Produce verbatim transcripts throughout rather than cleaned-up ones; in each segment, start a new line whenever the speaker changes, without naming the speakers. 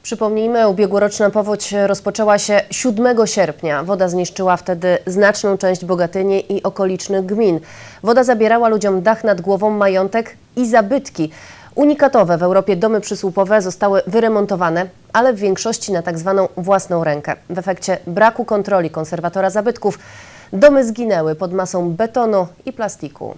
Przypomnijmy, ubiegłoroczna powódź rozpoczęła się siódmego sierpnia. Woda zniszczyła wtedy znaczną część Bogatyni i okolicznych gmin. Woda zabierała ludziom dach nad głową, majątek i zabytki. Unikatowe w Europie domy przysłupowe zostały wyremontowane, ale w większości na tak zwaną własną rękę. W efekcie braku kontroli konserwatora zabytków domy zginęły pod masą betonu i plastiku.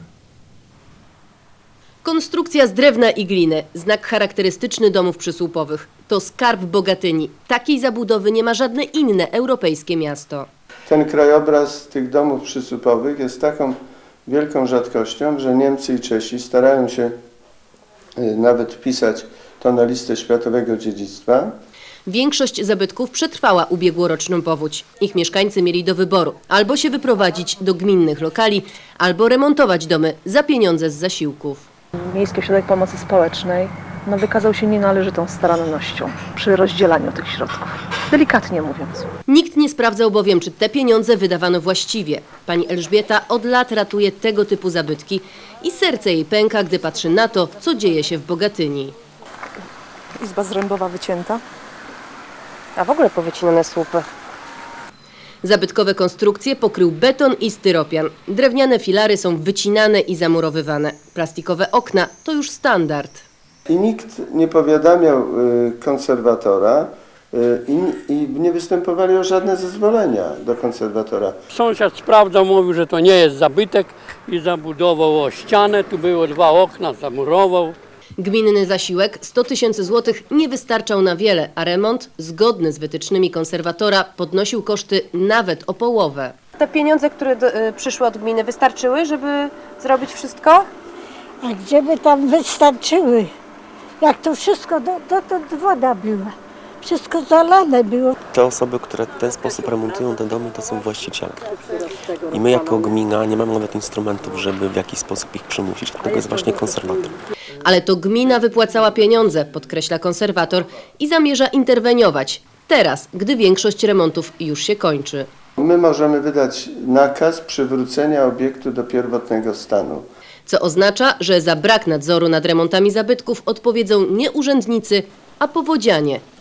Konstrukcja z drewna i gliny, znak charakterystyczny domów przysłupowych. To skarb Bogatyni. Takiej zabudowy nie ma żadne inne europejskie miasto.
Ten krajobraz tych domów przysłupowych jest taką wielką rzadkością, że Niemcy i Czesi starają się nawet wpisać to na listę światowego dziedzictwa.
Większość zabytków przetrwała ubiegłoroczną powódź. Ich mieszkańcy mieli do wyboru albo się wyprowadzić do gminnych lokali, albo remontować domy za pieniądze z zasiłków.
Miejski Ośrodek Pomocy Społecznej no, wykazał się nienależytą starannością przy rozdzielaniu tych środków, delikatnie mówiąc.
Nikt nie sprawdzał bowiem, czy te pieniądze wydawano właściwie. Pani Elżbieta od lat ratuje tego typu zabytki i serce jej pęka, gdy patrzy na to, co dzieje się w Bogatyni.
Izba zrębowa wycięta.
A w ogóle powycinane słupy. Zabytkowe konstrukcje pokrył beton i styropian. Drewniane filary są wycinane i zamurowywane. Plastikowe okna to już standard.
I nikt nie powiadamiał y, konserwatora y, i, i nie występowali o żadne zezwolenia do konserwatora.
Sąsiad sprawdzał, mówił, że to nie jest zabytek i zabudował o ścianę. Tu było dwa okna, zamurował.
Gminny zasiłek sto tysięcy złotych nie wystarczał na wiele, a remont, zgodny z wytycznymi konserwatora, podnosił koszty nawet o połowę.
Te pieniądze, które do, y, przyszły od gminy, wystarczyły, żeby zrobić wszystko?
A gdzie by tam wystarczyły? Jak to wszystko, do, dotąd woda była. Wszystko zalane było.
Te osoby, które w ten sposób remontują te domy, to są właściciele. I my jako gmina nie mamy nawet instrumentów, żeby w jakiś sposób ich przymusić. Dlatego jest właśnie konserwator.
Ale to gmina wypłacała pieniądze, podkreśla konserwator, i zamierza interweniować. Teraz, gdy większość remontów już się kończy.
My możemy wydać nakaz przywrócenia obiektu do pierwotnego stanu.
Co oznacza, że za brak nadzoru nad remontami zabytków odpowiedzą nie urzędnicy, a powodzianie.